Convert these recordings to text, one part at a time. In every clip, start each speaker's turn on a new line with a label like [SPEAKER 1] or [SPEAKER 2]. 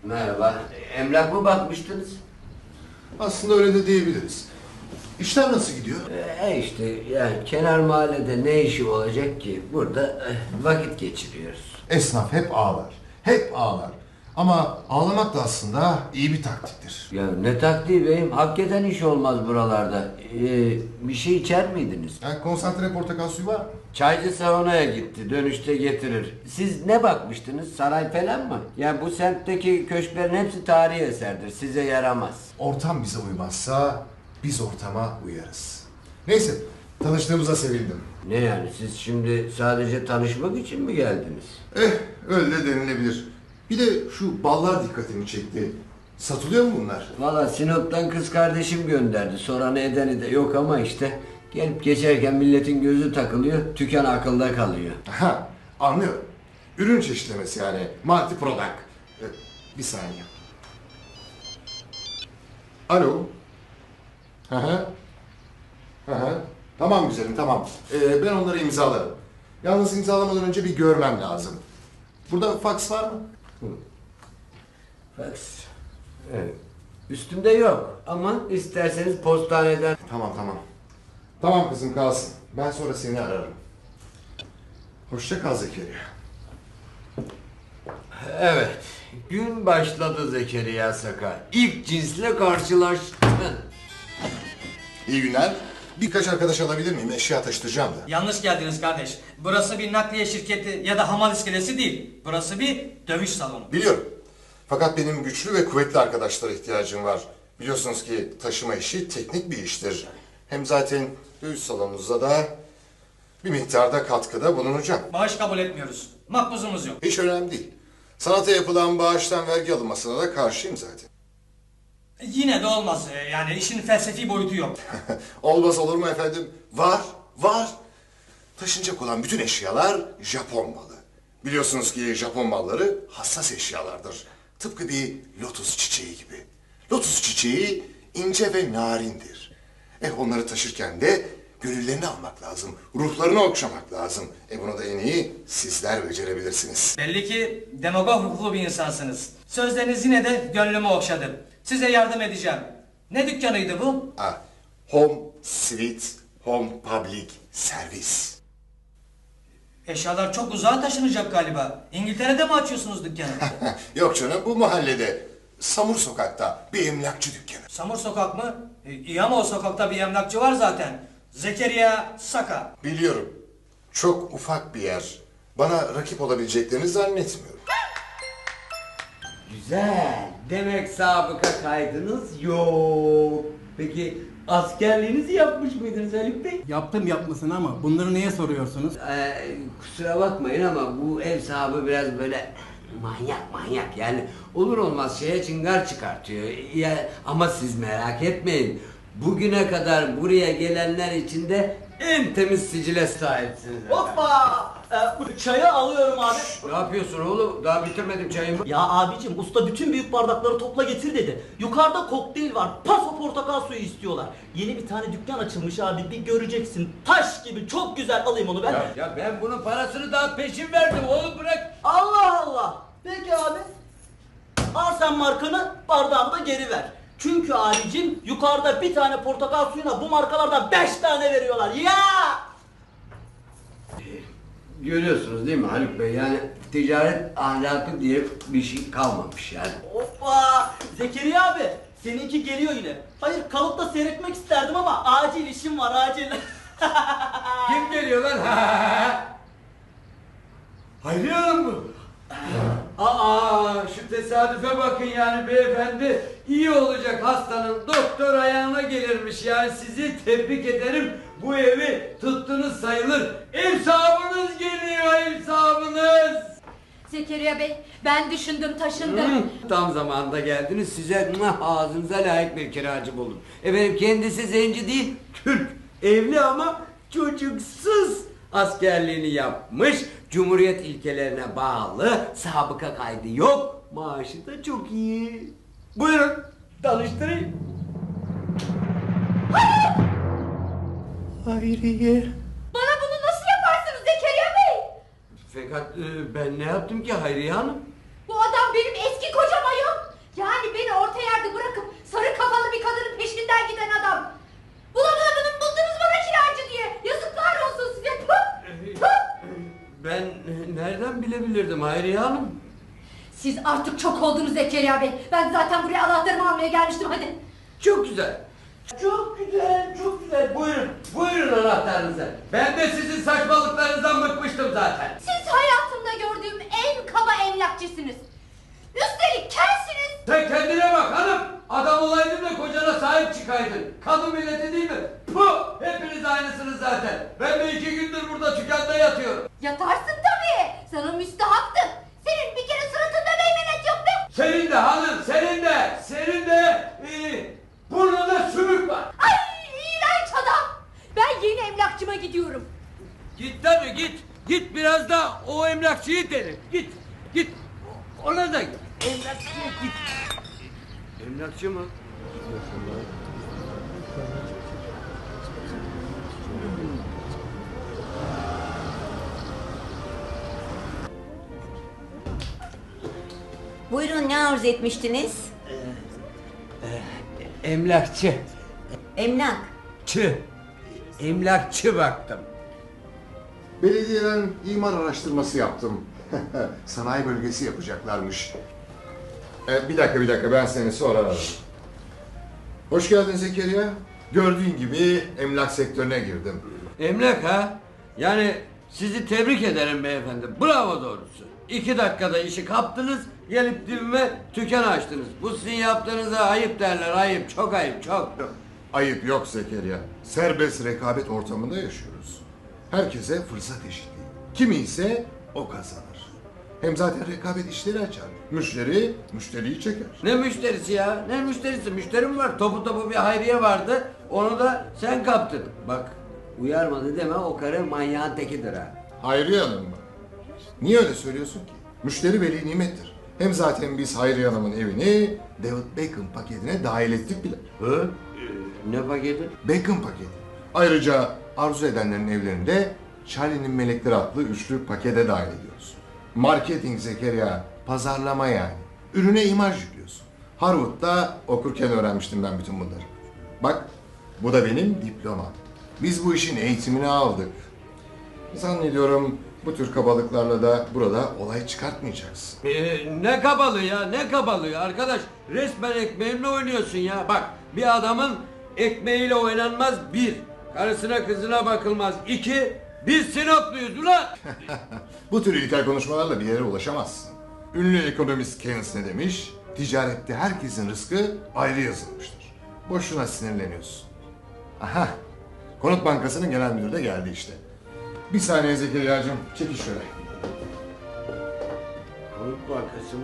[SPEAKER 1] Merhaba. Emlak mı bakmıştınız?
[SPEAKER 2] Aslında öyle de diyebiliriz. İşler nasıl gidiyor?
[SPEAKER 1] İşte yani kenar mahallede ne işi olacak ki? Burada vakit geçiriyoruz.
[SPEAKER 2] Esnaf hep ağlar. Hep ağlar. Ama ağlamak da aslında iyi bir taktiktir.
[SPEAKER 1] Ya ne taktiği beyim? Hakikaten iş olmaz buralarda. Bir şey içer miydiniz?
[SPEAKER 2] Yani konsantre portakal suyu var mı?
[SPEAKER 1] Çaycı saunaya gitti. Dönüşte getirir. Siz ne bakmıştınız? Saray falan mı? Yani bu semtteki köşklerin hepsi tarihi eserdir. Size yaramaz.
[SPEAKER 2] Ortam bize uymazsa biz ortama uyarız. Neyse, tanıştığımıza sevindim.
[SPEAKER 1] Ne yani? Siz şimdi sadece tanışmak için mi geldiniz?
[SPEAKER 2] Öyle de denilebilir. Bir de şu ballar dikkatimi çekti. Satılıyor mu bunlar?
[SPEAKER 1] Valla Sinop'tan kız kardeşim gönderdi. Soranı edeni de yok ama işte gelip geçerken milletin gözü takılıyor, tüken akılda kalıyor.
[SPEAKER 2] Ha, anlıyorum. Ürün çeşitlemesi yani. Multi product. Bir saniye. Alo. Hı hı. Hı hı. Tamam güzelim, tamam. Ben onları imzalarım. Yalnız imzalamadan önce bir görmem lazım. Burada fax var mı?
[SPEAKER 1] Fax. Evet. Üstümde yok ama isterseniz postaneden...
[SPEAKER 2] Tamam, tamam. Tamam kızım kalsın. Ben sonra seni ararım. Hoşça kal Zekeriya.
[SPEAKER 1] Evet. Gün başladı Zekeriya Sakar. İlk cinsle karşılaştın.
[SPEAKER 2] İyi günler. Birkaç arkadaş alabilir miyim? Eşya taşıtacağım da.
[SPEAKER 3] Yanlış geldiniz kardeş. Burası bir nakliye şirketi ya da hamal iskelesi değil. Burası bir dövüş salonu.
[SPEAKER 2] Biliyorum. Fakat benim güçlü ve kuvvetli arkadaşlara ihtiyacım var. Biliyorsunuz ki taşıma işi teknik bir iştir. Hem zaten dövüş salonunuzda da bir miktarda katkıda bulunacağım.
[SPEAKER 3] Bağış kabul etmiyoruz. Makbuzumuz yok.
[SPEAKER 2] Hiç önemli değil. Sanata yapılan bağıştan vergi alınmasına da karşıyım zaten.
[SPEAKER 3] Yine de olmaz. Yani işin felsefi boyutu yok.
[SPEAKER 2] Olmaz olur mu efendim? Var, var. Taşınacak olan bütün eşyalar Japon malı. Biliyorsunuz ki Japon malları hassas eşyalardır. Tıpkı bir lotus çiçeği gibi. Lotus çiçeği ince ve narindir. Onları taşırken de gönüllerini almak lazım. Ruhlarını okşamak lazım. Bunu da en iyi sizler becerebilirsiniz.
[SPEAKER 3] Belli ki demagog ruhlu bir insansınız. Sözleriniz yine de gönlümü okşadı. Size yardım edeceğim. Ne dükkanıydı bu?
[SPEAKER 2] Home Sweet Home Public Service.
[SPEAKER 3] Eşyalar çok uzağa taşınacak galiba. İngiltere'de mi açıyorsunuz dükkanı?
[SPEAKER 2] Yok canım, bu mahallede. Samur Sokak'ta bir emlakçı dükkanı.
[SPEAKER 3] Samur Sokak mı? İyi ama o sokakta bir emlakçı var zaten. Zekeriya Saka.
[SPEAKER 2] Biliyorum. Çok ufak bir yer. Bana rakip olabileceklerini zannetmiyorum.
[SPEAKER 1] Güzel. Demek sabıka kaydınız yok. Peki askerliğinizi yapmış mıydınız Haluk Bey?
[SPEAKER 4] Yaptım yapmasını ama bunları neye soruyorsunuz?
[SPEAKER 1] Kusura bakmayın ama bu ev sahibi biraz böyle manyak yani olur olmaz şeye çıngar çıkartıyor. Ya, ama siz merak etmeyin. Bugüne kadar buraya gelenler içinde en temiz sicile sahipsiniz.
[SPEAKER 5] Hoppa! Bu çayı alıyorum abi.
[SPEAKER 1] Ne yapıyorsun oğlum? Daha bitirmedim çayımı.
[SPEAKER 5] Ya abicim usta bütün büyük bardakları topla getir dedi. Yukarıda kokteyl var. Paso portakal suyu istiyorlar. Yeni bir tane dükkan açılmış abi, bir göreceksin. Taş gibi çok güzel, alayım onu ben.
[SPEAKER 1] Ya ben bunun parasını daha peşin verdim oğlum, bırak.
[SPEAKER 5] Allah Allah. Peki abi. Al sen markanı, bardağını da geri ver. Çünkü abicim yukarıda bir tane portakal suyuna bu markalardan 5 tane veriyorlar. Ya!
[SPEAKER 1] Görüyorsunuz değil mi Haluk Bey? Yani ticaret ahlakı diye bir şey kalmamış yani.
[SPEAKER 5] Hoppa! Zekeriya abi, seninki geliyor yine. Hayır, kalıp da seyretmek isterdim ama acil işim var, acil.
[SPEAKER 1] Kim geliyor lan? Hayriye Hanım mı? Şu tesadüfe bakın yani beyefendi. İyi olacak hastanın doktor ayağına gelirmiş yani, sizi tebrik ederim. Bu evi tuttunuz sayılır. Ev sahibiniz geliyor, ev sahibiniz.
[SPEAKER 6] Zekeriya Bey, ben düşündüm, taşındım.
[SPEAKER 1] Tam zamanında geldiniz. Size ağzınıza layık bir kiracı buldum. Efendim kendisi zenci değil, Türk. Evli ama çocuksuz. Askerliğini yapmış, Cumhuriyet ilkelerine bağlı, sabıka kaydı yok, maaşı da çok iyi. Buyurun, tanıştırayım. Hayriye.
[SPEAKER 6] Bana bunu nasıl yaparsınız Zekeriya Bey?
[SPEAKER 1] Fakat ben ne yaptım ki Hayriye Hanım?
[SPEAKER 6] Bu adam benim eski kocam ayol.
[SPEAKER 1] bilebilirdim Hayriye Hanım.
[SPEAKER 6] Siz artık çok oldunuz Zekeriya Bey. Ben zaten buraya anahtarımı almaya gelmiştim, hadi.
[SPEAKER 1] Çok güzel. Çok güzel, çok güzel. Buyurun, buyurun anahtarınızı. Ben de sizin saçmalıklarınızdan bıkmıştım zaten.
[SPEAKER 6] Siz hayatımda gördüğüm en kaba emlakçısınız. Üstelik kelsiniz.
[SPEAKER 1] Sen kendine bak hanım. Adam olaydın da kocana sahip çıkaydın. Kadın milleti değil mi? Puh! Hepiniz aynısınız zaten. Ben de 2 gündür burada dükkanda yatıyorum.
[SPEAKER 6] Yatarsın tabii. Sana müstahaktın. Senin bir kere suratında meymenet yoktu.
[SPEAKER 1] Senin de hanım, senin de burnunda sümük var.
[SPEAKER 6] Ay iğrenç adam. Ben yeni emlakçıma gidiyorum.
[SPEAKER 1] Git tabii git. Git biraz da o emlakçıyı dene. Git. Ona da git. Emlakçıya git. Emlakçı mı?
[SPEAKER 7] Buyurun, ne arzu etmiştiniz?
[SPEAKER 1] Emlakçı.
[SPEAKER 7] Emlak.
[SPEAKER 1] Emlakçı baktım.
[SPEAKER 2] Belediyeden imar araştırması yaptım. Sanayi bölgesi yapacaklarmış. Bir dakika ben seni sonra ararım. Hoş geldin Zekeriya. Gördüğün gibi emlak sektörüne girdim.
[SPEAKER 1] Emlak ha? Yani sizi tebrik ederim beyefendi. Bravo doğrusu. 2 dakikada işi kaptınız, gelip dibime dükkan açtınız. Bu sizin yaptığınıza ayıp derler, ayıp. Çok ayıp, çok.
[SPEAKER 2] Ayıp yok Zekeriya. Serbest rekabet ortamında yaşıyoruz. Herkese fırsat eşitliği. Kimi ise o kazanır. Hem zaten rekabet işleri açar. Müşteri, müşteriyi çeker.
[SPEAKER 1] Ne müşterisi ya? Ne müşterisi? Müşterim var. Topu bir Hayriye vardı. Onu da sen kaptın. Bak, uyarmadı deme, o karı manyağın tekidir ha.
[SPEAKER 2] Hayriye Hanım mı? Niye öyle söylüyorsun ki? Müşteri veli nimettir. Hem zaten biz Hayriye Hanım'ın evini David Beckham paketine dahil ettik bile.
[SPEAKER 1] Hı? Ne paketi?
[SPEAKER 2] Beckham paketi. Ayrıca arzu edenlerin evlerinde Charlie'nin Melekleri adlı üçlü pakete dahil ediyoruz. Marketing Zekeriya, pazarlama yani. Ürüne imaj yüklüyorsun. Harvard'da okurken öğrenmiştim ben bütün bunları. Bak, bu da benim diplomam. Biz bu işin eğitimini aldık. Zannediyorum bu tür kabalıklarla da burada olay çıkartmayacaksın.
[SPEAKER 1] Ne kabalığı ya, ne kabalığı arkadaş. Resmen ekmeğimle oynuyorsun ya. Bak, bir adamın ekmeğiyle oynanmaz 1. Karısına kızına bakılmaz 2. Biz Sinopluyuz ulan.
[SPEAKER 2] Bu tür ilkel konuşmalarla bir yere ulaşamazsın. Ünlü ekonomist Keynes ne demiş? Ticarette herkesin rızkı ayrı yazılmıştır. Boşuna sinirleniyorsun. Aha, Konut Bankası'nın genel müdürü de geldi işte. Bir saniye Zekeriya'cığım, çekil şöyle.
[SPEAKER 1] Konut Bankası mı?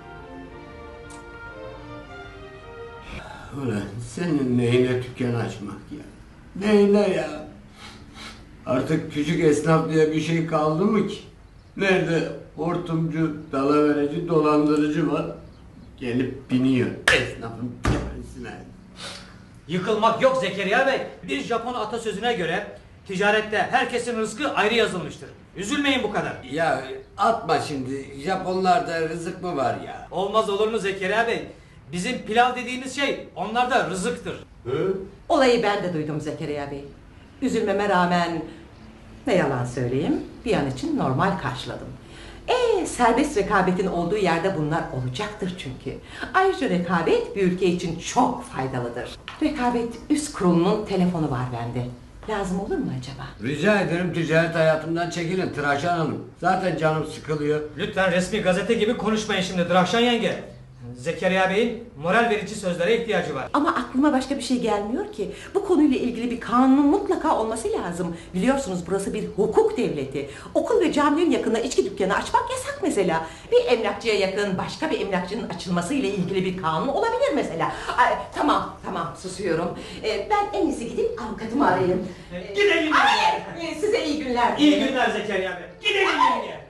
[SPEAKER 1] Ulan senin neyine dükkan açmak ya? Neyine ya? Artık küçük esnaf diye bir şey kaldı mı ki? Nerede hortumcu, dalavereci, dolandırıcı var? Gelip biniyor esnafın tepesine.
[SPEAKER 3] Yıkılmak yok Zekeriya Bey. Bir Japon atasözüne göre ticarette herkesin rızkı ayrı yazılmıştır. Üzülmeyin bu kadar.
[SPEAKER 1] Ya atma şimdi, Japonlarda rızık mı var ya?
[SPEAKER 3] Olmaz olur mu Zekeriya Bey? Bizim pilav dediğimiz şey onlarda rızıktır.
[SPEAKER 1] Hı?
[SPEAKER 8] Olayı ben de duydum Zekeriya Bey. Üzülmeme rağmen ne yalan söyleyeyim bir an için normal karşıladım. Serbest rekabetin olduğu yerde bunlar olacaktır çünkü. Ayrıca rekabet bir ülke için çok faydalıdır. Rekabet üst kurulunun telefonu var bende. Lazım olur mu acaba?
[SPEAKER 1] Rica ederim ticaret hayatımdan çekilin Tıraşan Hanım. Zaten canım sıkılıyor.
[SPEAKER 3] Lütfen resmi gazete gibi konuşmayın şimdi Drahşan yenge. Zekeriya Bey'in moral verici sözlere ihtiyacı var.
[SPEAKER 8] Ama aklıma başka bir şey gelmiyor ki. Bu konuyla ilgili bir kanunun mutlaka olması lazım. Biliyorsunuz burası bir hukuk devleti. Okul ve caminin yakında içki dükkanı açmak yasak mesela. Bir emlakçıya yakın başka bir emlakçının açılması ile ilgili bir kanun olabilir mesela. Ay, tamam susuyorum. Ben en iyisi gidip avukatımı arayayım.
[SPEAKER 3] Gidelim.
[SPEAKER 8] Size iyi günler.
[SPEAKER 3] İyi günler Zekeriya Bey. Gidelim yenge.